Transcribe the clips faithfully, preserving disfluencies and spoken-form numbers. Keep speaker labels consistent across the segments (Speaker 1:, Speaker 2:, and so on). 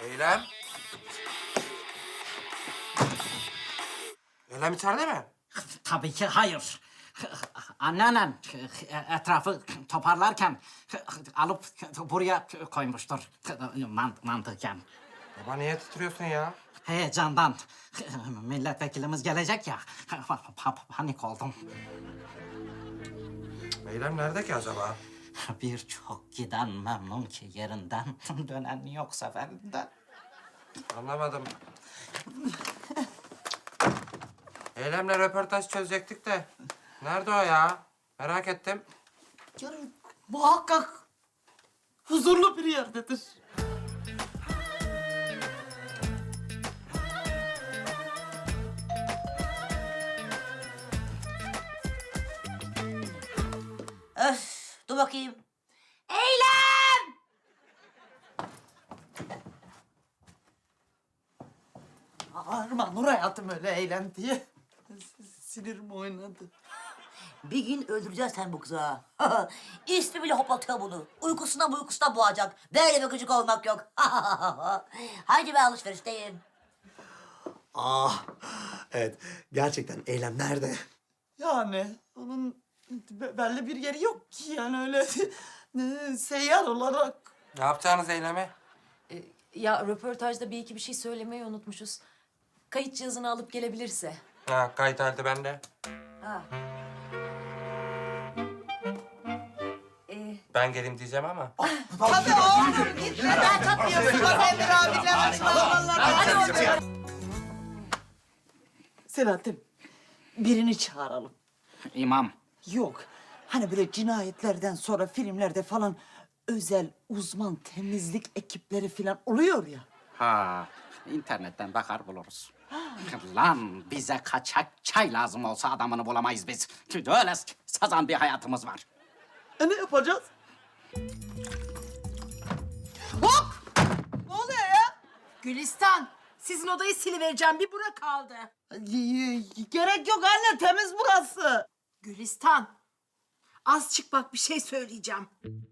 Speaker 1: Eylem. Eylem içeride mi?
Speaker 2: Tabii ki hayır. Anneannen etrafı toparlarken alıp buraya koymuştur mant mantıken.
Speaker 1: Baba niye titriyorsun ya?
Speaker 2: Heyecandan. Milletvekilimiz gelecek ya. Panik oldum.
Speaker 1: Eylem nerede ki acaba?
Speaker 2: Birçok giden memnun ki yerinden, dönen yok seferinden.
Speaker 1: Anlamadım. Eylem'le röportaj çözecektik de. Nerede o ya? Merak ettim.
Speaker 3: Yani muhakkak huzurlu bir yerdedir.
Speaker 4: Öf, dur bakayım. Eylem!
Speaker 3: Bağırma Nur hayatım öyle eğlen diye. Sinirim oynadı.
Speaker 4: Bir gün öldüreceğiz sen bu kızı ha. İsmi bile hoplatıyor bunu. Uykusundan uykusuna boğacak. Böyle bir gıcık olmak yok. Haydi ben alışverişteyim.
Speaker 5: Ah, evet. Gerçekten Eylem nerede?
Speaker 3: Yani onun be- belli bir yeri yok ki yani öyle ne, seyyar olarak.
Speaker 1: Ne yapacağınız Eylem'e?
Speaker 6: Ee, Ya röportajda bir iki bir şey söylemeyi unutmuşuz. Kayıt cihazını alıp gelebilirse.
Speaker 1: Ha, kayıt halde bende.
Speaker 6: Ha. Ee,
Speaker 1: Ben geleyim diyeceğim ama.
Speaker 3: Tabii oğlum gitmeden katmıyorsun. Bak Emir abiler açıklamalarına. Selahattin, birini çağıralım.
Speaker 2: İmam.
Speaker 3: Yok, hani böyle cinayetlerden sonra filmlerde falan özel uzman temizlik ekipleri falan oluyor ya.
Speaker 2: Ha, internetten bakar buluruz. Lan bize kaçak çay lazım olsa adamını bulamayız biz. Öyle sazan bir hayatımız var.
Speaker 3: E ne yapacağız? Hop! Ne oluyor ya?
Speaker 7: Gülistan, sizin odayı silivereceğim. Bir bura kaldı.
Speaker 3: Y- Gerek yok anne, temiz burası.
Speaker 7: Gülistan, az çık bak bir şey söyleyeceğim.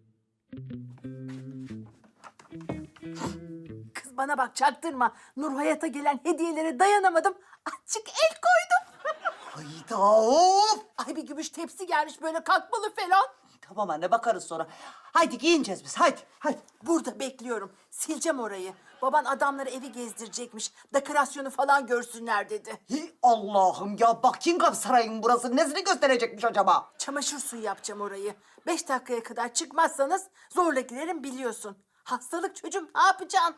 Speaker 7: Kız bana bak çaktırma. Nur Hayat'a gelen hediyelere dayanamadım. Azıcık el koydum.
Speaker 3: Hayda of!
Speaker 7: Ay bir gümüş tepsi gelmiş böyle kalkmalı falan.
Speaker 3: Tamam anne, bakarız sonra. Haydi giyineceğiz biz, haydi, haydi.
Speaker 7: Burada bekliyorum. Sileceğim orayı. Baban adamları evi gezdirecekmiş. Dekorasyonu falan görsünler dedi.
Speaker 3: Hi, Allah'ım ya, Buckingham Sarayı'nın burası nesini gösterecekmiş acaba?
Speaker 7: Çamaşır suyu yapacağım orayı. Beş dakikaya kadar çıkmazsanız zorla girerim biliyorsun. Hastalık çocuğum ne yapacaksın?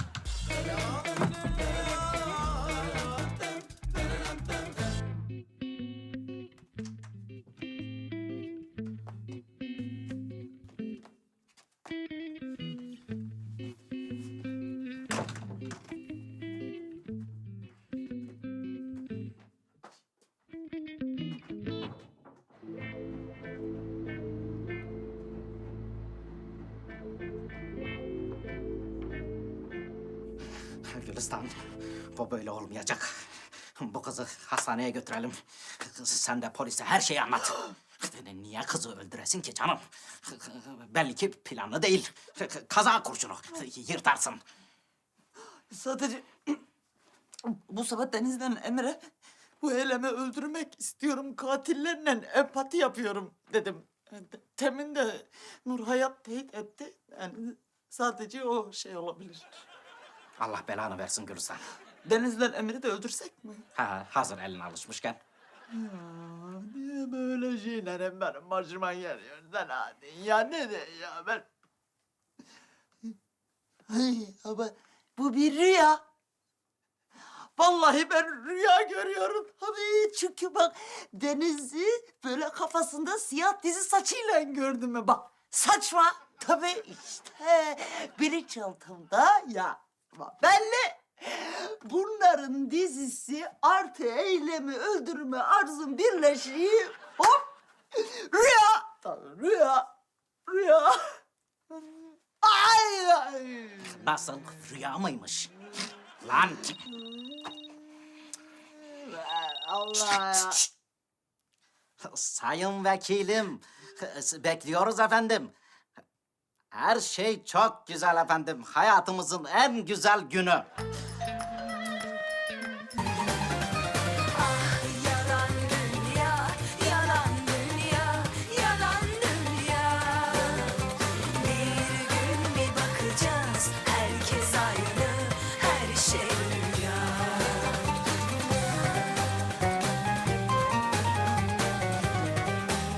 Speaker 2: Gülistan, bu böyle olmayacak. Bu kızı hastaneye götürelim. Sen de polise her şeyi anlat. Niye kızı öldüresin ki canım? Belli ki planlı değil. Kaza kurşunu yırtarsın.
Speaker 3: Sadece bu sabah Deniz'den Emre bu Eylem'i öldürmek istiyorum, katillerle empati yapıyorum dedim. Temin de Nur Hayat teyit etti. Yani sadece o şey olabilir.
Speaker 2: Allah belanı versin Gülistan.
Speaker 3: Deniz'den Emre'yi de öldürsek mi?
Speaker 2: Ha, hazır eline alışmışken.
Speaker 3: Ya, niye böyle şeyler benim başıma geliyor Selahattin ya, ne de ya ben... Ay, ama bu bir rüya. Vallahi ben rüya görüyorum tabii, çünkü bak Deniz'i böyle kafasında siyah dizi saçıyla gördüm ben. Bak saçma tabii, işte bilinçaltımda ya. Bak, belli. Bunların dizisi artı Eylem'i öldürme arzum birleşiği, hop, rüya. Tabii rüya, rüya. Ay, ay.
Speaker 2: Nasıl, rüya mıymış? Lan!
Speaker 3: Allah ya.
Speaker 2: Sayın vekilim, bekliyoruz efendim. Her şey çok güzel efendim. Hayatımızın en güzel günü.